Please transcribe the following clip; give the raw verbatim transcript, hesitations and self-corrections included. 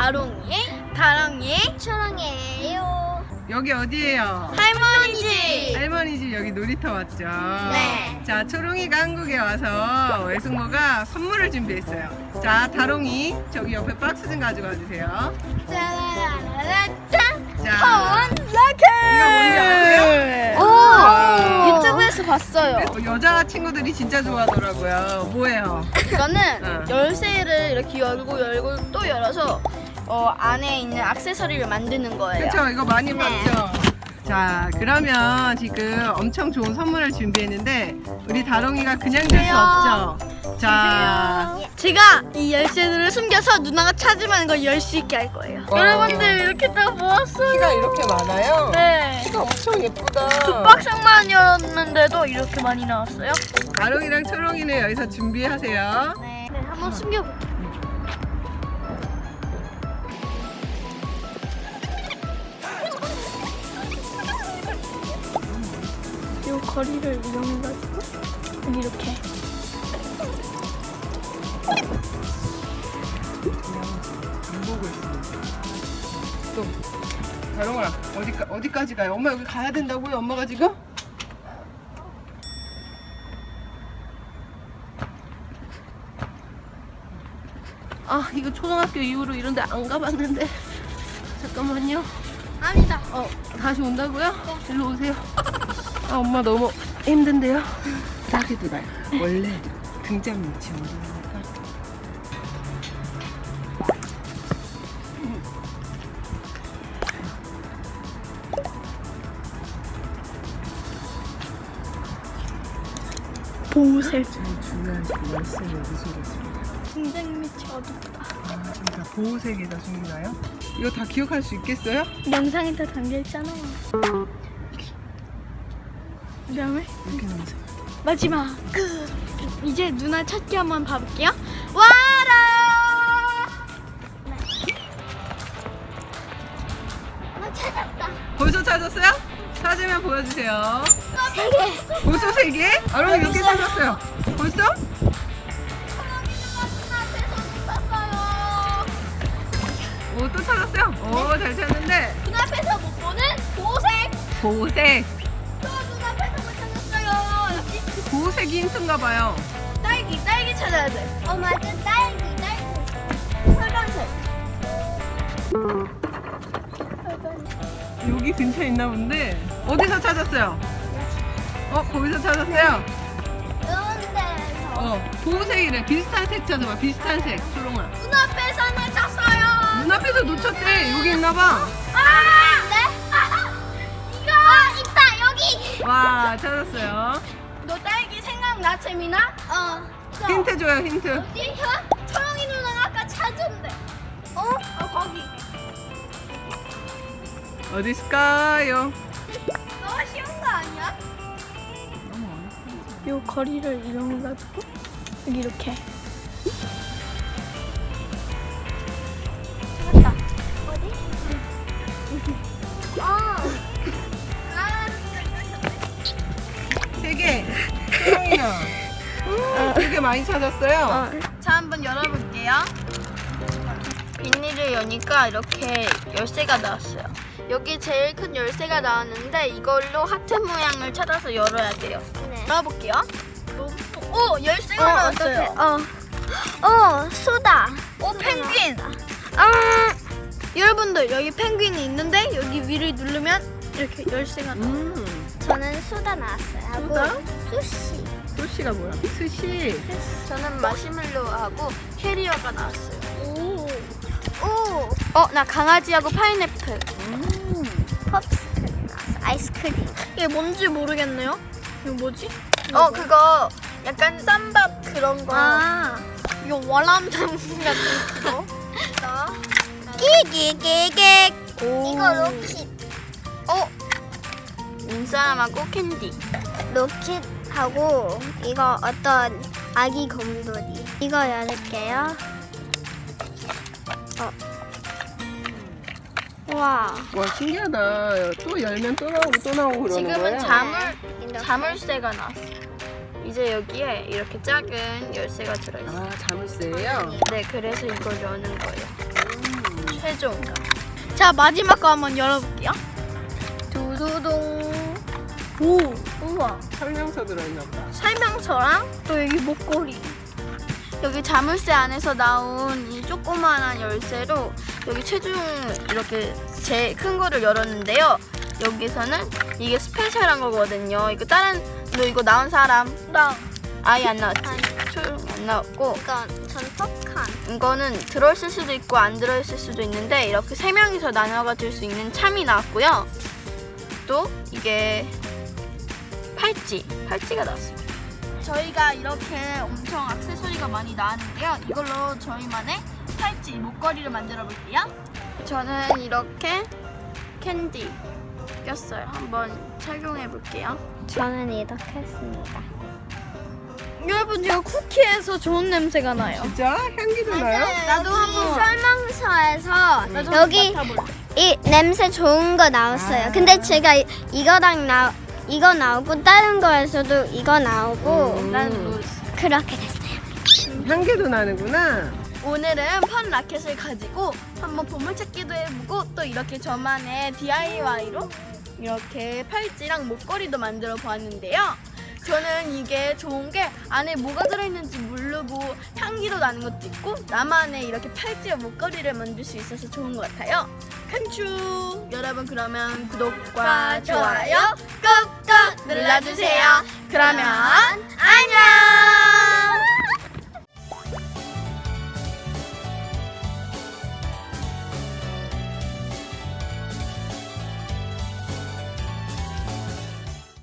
다롱이, 다롱이, 초롱이에요. 여기 어디예요? 할머니 집. 할머니 집 여기 놀이터 맞죠? 네. 자, 초롱이가 한국에 와서 외숙모가 선물을 준비했어요. 자, 다롱이 저기 옆에 박스 좀 가져가 주세요. 짜라라라짠. 자, 라켓. 이거 뭔지 아세요? 오, 와. 유튜브에서 봤어요. 어, 여자 친구들이 진짜 좋아하더라고요. 뭐예요? 이거는 어. 열쇠를 이렇게 열고 열고 또 열어서 어, 안에 있는 액세서리를 만드는 거예요. 그렇죠? 이거 많이 네. 봤죠? 자, 그러면 지금 엄청 좋은 선물을 준비했는데 우리 다롱이가 그냥 줄 수 없죠? 자, 제가 이 열쇠들을 숨겨서 누나가 찾으면 이거 열 수 있게 할 거예요. 와. 여러분들 이렇게 딱 모았어요. 키가 이렇게 많아요? 네. 키가 엄청 예쁘다. 두 박스만이었는데도 이렇게 많이 나왔어요. 다롱이랑 초롱이는 여기서 준비하세요. 네. 네, 한번 숨겨볼게요. 이 거리를 이용해가지고 여기 이렇게. 안 보고 있습니다. 또 다롱아 어디까 어디까지 가요? 엄마 여기 가야 된다고요? 엄마가 지금? 아 이거 초등학교 이후로 이런데 안 가봤는데 잠깐만요. 아니다. 어 다시 온다고요? 일로 오세요. 아 엄마 너무 힘든데요. 싸게 돌아요. 원래 등잔 밑이 어디입니까? 보호색. 제일 중요한 열쇠는 무슨 것입니다. 등장 밑이 어둡다. 아, 그러니까 보호색에다 숨기나요? 이거 다 기억할 수 있겠어요? 영상에 다 담겨있잖아요. 그 다음에 이렇게 나오세요. 마지막 끝. 이제 누나 찾기 한번 봐볼게요. 와라. 어, 찾았다. 벌써 찾았어요? 찾으면 보여주세요. 세 개. 벌써 세 개? 아롱이 몇 개 찾았어요? 벌써? 오, 또 찾았어요? 오, 잘 찾는데. 눈앞에서 못 보는 보호색. 보호색. 또 눈앞에서 못 찾았어요. 여기 보호색이 힌트인가 봐요. 딸기 딸기 찾아야 돼. 어 맞아 딸기 딸기. 빨간색. 빨간색. 여기 근처에 있나 본데. 어디서 찾았어요? 어, 거기서 찾았어요? 이런데서 어, 보호색이래. 비슷한 색 찾아봐. 비슷한 색. 초롱아. 눈앞에서 놓쳤어요. 눈앞에서 놓쳤대. 여기 있나 봐. 아, 네? 이거 아 있다 여기. 와, 찾았어요. 너 딸기 생각나 채민아? 어. 저, 힌트 줘요, 힌트. 어디? 초롱이 누나가 아까 찾은데. 어? 어 거기. 어디 있을까요? 너무 쉬운 거 아니야? 요 거리를 이용해가지고 여기 이렇게. 찾았다. 어디? 어. 아, 세 개. 초롱이야. 되게 많이 찾았어요. 자 한번 열어볼게요. 비닐을 여니까 이렇게 열쇠가 나왔어요. 여기 제일 큰 열쇠가 나왔는데 이걸로 하트 모양을 찾아서 열어야 돼요. 네. 열어볼게요. 오 열쇠가 나왔어요. 어. 어, 수다. 오 펭귄. 아 여러분들 여기 펭귄이 있는데 여기 위를 누르면 이렇게 열쇠가 나와요. 음. 저는 수다 나왔어요. 하고 수다? 수시. 수시가 뭐야? 수시. 저는 마시멜로하고 캐리어가 나왔어요. 오. 오. 어 나 강아지하고 파인애플. 음. pop스크림 나왔어. 아이스크림. 이게 뭔지 모르겠네요. 이거 뭐지? 어 그거 약간 쌈밥 그런 거. 아. 이거 월남쌈 같은 거. 끼기기기. 오. 이거 로킷. 어 인사람하고 캔디. 로킷하고 이거 어떤 아기 곰돌이. 이거 열을게요. 어. 와. 와 신기하다. 또 열면 또 나오고 또 나오고 그러는 지금은 거야? 자물 이렇게. 자물쇠가 나왔어요. 이제 여기에 이렇게 작은 열쇠가 들어있어요. 아 자물쇠예요? 네, 그래서 이걸 여는 거예요. 음. 최종가. 자, 마지막 거 한번 열어볼게요. 두두둥. 오, 우와. 설명서 들어있나 보다. 설명서랑 또 여기 목걸이. 여기 자물쇠 안에서 나온 이 조그만한 열쇠로 여기 최종 이렇게 제일 큰 거를 열었는데요. 여기서는 이게 스페셜한 거거든요. 이거 다른 너 이거 나온 사람 나 아예 안 나왔지? 아니. 조용히 안 나왔고 이건 전폭한. 이거는 들어있을 수도 있고 안 들어있을 수도 있는데 이렇게 세 명이서 나눠 가질 수 있는 참이 나왔고요. 또 이게 팔찌, 팔찌가 나왔습니다. 저희가 이렇게 엄청 액세서리가 많이 나왔는데요. 이걸로 저희만의 팔찌, 목걸이를 만들어 볼게요. 저는 이렇게 캔디 꼈어요. 한번 착용해 볼게요. 저는 이렇게 했습니다. 여러분, 제가 쿠키에서 좋은 냄새가 나요. 진짜? 향기도 나요? 나도 한번 설명서에서 나도 여기 한번 맡아볼래. 이 냄새 좋은 거 나왔어요. 아. 근데 제가 이- 이거랑 나 이거 나오고 다른 거에서도 이거 나오고 음. 난 로즈. 그렇게 됐어요. 향기도 나는구나. 오늘은 펀 라켓을 가지고 한번 보물찾기도 해보고 또 이렇게 저만의 디아이와이로 이렇게 팔찌랑 목걸이도 만들어 보았는데요. 저는 이게 좋은 게 안에 뭐가 들어있는지 모르고 향기도 나는 것도 있고 나만의 이렇게 팔찌와 목걸이를 만들 수 있어서 좋은 것 같아요. 칸추! 여러분, 그러면 구독과 좋아요 꾹꾹 눌러주세요. 그러면